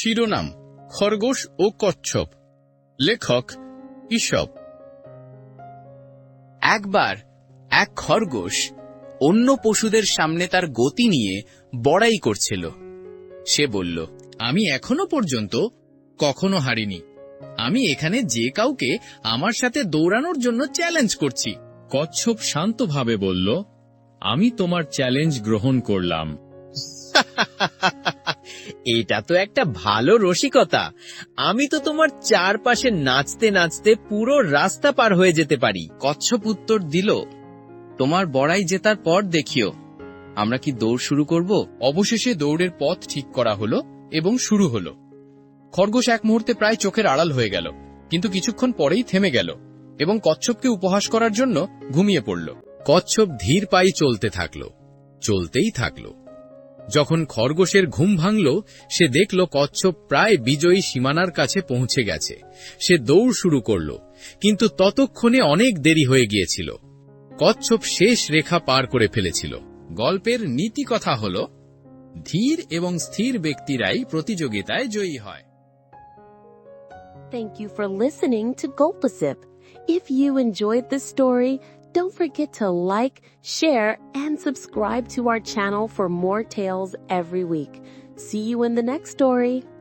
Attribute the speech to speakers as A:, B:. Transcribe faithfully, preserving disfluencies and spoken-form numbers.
A: শিরোনাম খরগোশ ও কচ্ছপ, লেখক ঈশপ।
B: একবার এক খরগোশ অন্য পশুদের সামনে তার গতি নিয়ে বড়াই করছিল। সে বলল,
A: আমি এখনো পর্যন্ত কখনো হারিনি। আমি এখানে যে কাউকে আমার সাথে দৌড়ানোর জন্য চ্যালেঞ্জ করছি। কচ্ছপ শান্তভাবে বলল, আমি তোমার চ্যালেঞ্জ গ্রহণ করলাম।
C: এটা তো একটা ভালো রসিকতা। আমি তো তোমার চারপাশে নাচতে নাচতে পুরো রাস্তা পার হয়ে যেতে পারি।
B: কচ্ছপ উত্তর দিল, তোমার বড়াই জেতার পর দেখিও আমরা কি দৌড় শুরু করব।
A: অবশেষে দৌড়ের পথ ঠিক করা হলো এবং শুরু হলো। খরগোশ এক মুহূর্তে প্রায় চোখের আড়াল হয়ে গেল, কিন্তু কিছুক্ষণ পরেই থেমে গেল এবং কচ্ছপকে উপহাস করার জন্য ঘুমিয়ে পড়ল। কচ্ছপ ধীর পায়ে চলতে থাকল, চলতেই থাকল। যখন খরগোশের ঘুম ভাঙল, সে দেখল কচ্ছপ প্রায় বিজয়ী সীমানার কাছে পৌঁছে গেছে। সে দৌড় শুরু করল, কিন্তু ততক্ষণে অনেক দেরি হয়ে গিয়েছিল। কচ্ছপ শেষ রেখা পার করে ফেলেছিল। গল্পের নীতি কথা হল, ধীর এবং স্থির ব্যক্তিরাই প্রতিযোগিতায় জয়ী হয়।
D: Thank you for listening to Gulpasip. If you enjoyed this story, don't forget to like, share, and subscribe to our channel for more tales every week. See you in the next story.